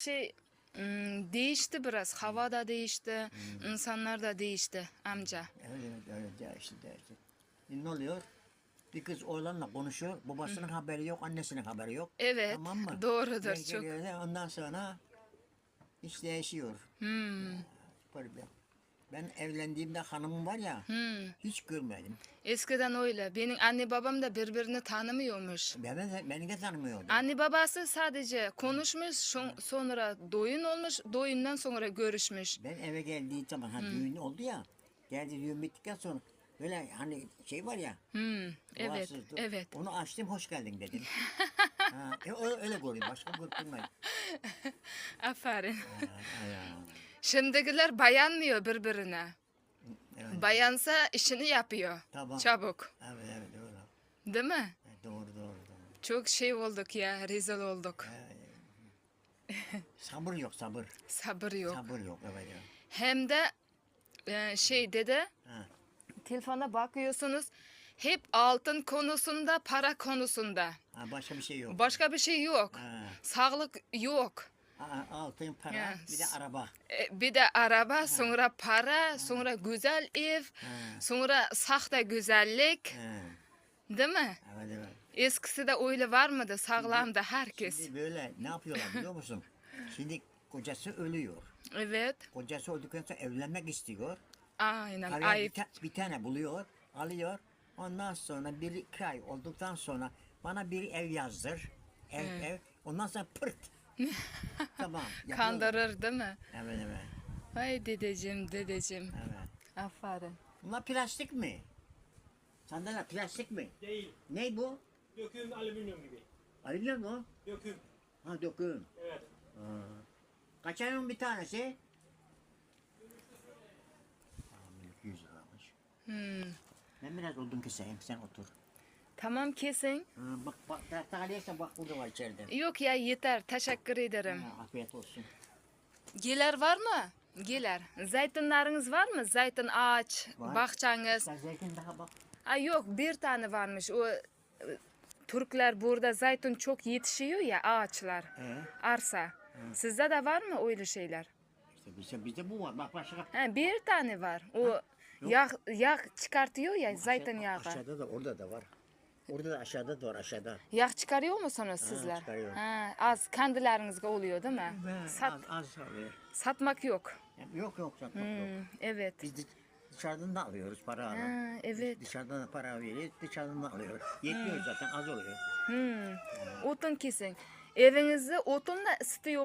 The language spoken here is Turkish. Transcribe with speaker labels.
Speaker 1: şey değişti biraz. Hava da değişti, insanlar da değişti amca.
Speaker 2: Öyle değişti. Ne oluyor? Bir kız oğlanla konuşuyor. Babasının haberi yok, annesinin haberi yok.
Speaker 1: Evet,
Speaker 2: Tamam mı?
Speaker 1: doğrudur çok.
Speaker 2: Ondan sonra iş değişiyor. Problem. Ben evlendiğimde hanımım var ya, hiç görmedim.
Speaker 1: Eskiden öyle. Benim anne babam da birbirini tanımıyormuş.
Speaker 2: Beni de tanımıyordu.
Speaker 1: Anne babası sadece konuşmuş, sonra doyun olmuş, doyundan sonra görüşmüş.
Speaker 2: Ben eve geldiği zaman düğün oldu ya. Geldi düğün bittikten sonra böyle hani şey var ya.
Speaker 1: Evet,
Speaker 2: duasızdı.
Speaker 1: evet.
Speaker 2: Onu açtım, hoş geldin dedim. Öyle görüyorum, başka görünmüyor.
Speaker 1: Aferin.
Speaker 2: Ya.
Speaker 1: Şimdikiler bayanmıyor birbirine.
Speaker 2: Evet.
Speaker 1: Bayansa işini yapıyor.
Speaker 2: Tamam.
Speaker 1: Çabuk.
Speaker 2: Evet doğru.
Speaker 1: Değil mi?
Speaker 2: Doğru.
Speaker 1: Çok şey olduk ya, rezil olduk.
Speaker 2: Sabır yok, sabır.
Speaker 1: Sabır yok.
Speaker 2: Sabır yok, evet. Ya.
Speaker 1: Hem de şey dedi,
Speaker 2: Ha.
Speaker 1: telefona bakıyorsunuz, hep altın konusunda, para konusunda.
Speaker 2: Başka bir şey yok.
Speaker 1: Başka bir şey yok.
Speaker 2: Ha.
Speaker 1: Sağlık yok.
Speaker 2: Altın, para,
Speaker 1: Ya,
Speaker 2: bir de araba.
Speaker 1: Bir de araba, sonra para, sonra güzel ev, sonra sahte güzellik.
Speaker 2: Ha.
Speaker 1: Değil mi?
Speaker 2: Evet.
Speaker 1: Eskisi de öyle var mıydı? Sağlamdı herkes.
Speaker 2: Şimdi böyle ne yapıyorlar biliyor musun? Şimdi kocası ölüyor.
Speaker 1: Evet.
Speaker 2: Kocası öldükten sonra evlenmek istiyor.
Speaker 1: Aynen.
Speaker 2: Araya
Speaker 1: Ayıp.
Speaker 2: bir tane buluyor, alıyor. Ondan sonra bir iki ay olduktan sonra bana bir ev yazdır. Ev. Ondan sonra pırt. Tamam. yapıyorlar.
Speaker 1: Kandırır değil mi?
Speaker 2: Evet.
Speaker 1: Ay dedeciğim.
Speaker 2: Evet.
Speaker 1: Aferin.
Speaker 2: Bunlar plastik mi? Sandalye plastik mi?
Speaker 3: Değil.
Speaker 2: Ne bu?
Speaker 3: Döküm alüminyum gibi.
Speaker 2: Alüminyum mu?
Speaker 3: Döküm.
Speaker 2: Ha, döküm.
Speaker 3: Evet.
Speaker 2: Kaç ayın bir tanesi? 100 liramış. Ben biraz odun keseyim, sen otur.
Speaker 1: Tamam kesin.
Speaker 2: Bak tahliyesen bak burada var içeride.
Speaker 1: Yok ya yeter. Teşekkür ederim.
Speaker 2: Afiyet olsun.
Speaker 1: Giler var mı? Giler. Zeytinleriniz var mı? Zeytin ağaç,
Speaker 2: Var.
Speaker 1: bahçeniz.
Speaker 2: Sen zeytin daha bak.
Speaker 1: Ay yok bir tane varmış. O Türkler burada zeytin çok yetişiyor ya ağaçlar. Arsa. Sizde de var mı öyle şeyler?
Speaker 2: İşte bizde bu var. Bak başka.
Speaker 1: Ha, bir tane var. O yağ çıkartıyor ya zeytinyağı.
Speaker 2: Aşağıda da orada da var. Orada da aşağıda da var aşağıda.
Speaker 1: Yağ çıkarıyor musunuz sizler?
Speaker 2: çıkarıyorum.
Speaker 1: Ha, az kendilerinizde oluyor değil mi?
Speaker 2: Az alıyor.
Speaker 1: Satmak yok.
Speaker 2: Yok satmak yok.
Speaker 1: Evet.
Speaker 2: Biz dışarıdan da alıyoruz para alıp.
Speaker 1: Ha, evet.
Speaker 2: Dışarıdan da para veriyoruz, dışarıdan da alıyoruz. Yetmiyor zaten, az oluyor.
Speaker 1: Otun kesin. Evinizde otunla ısıtıyor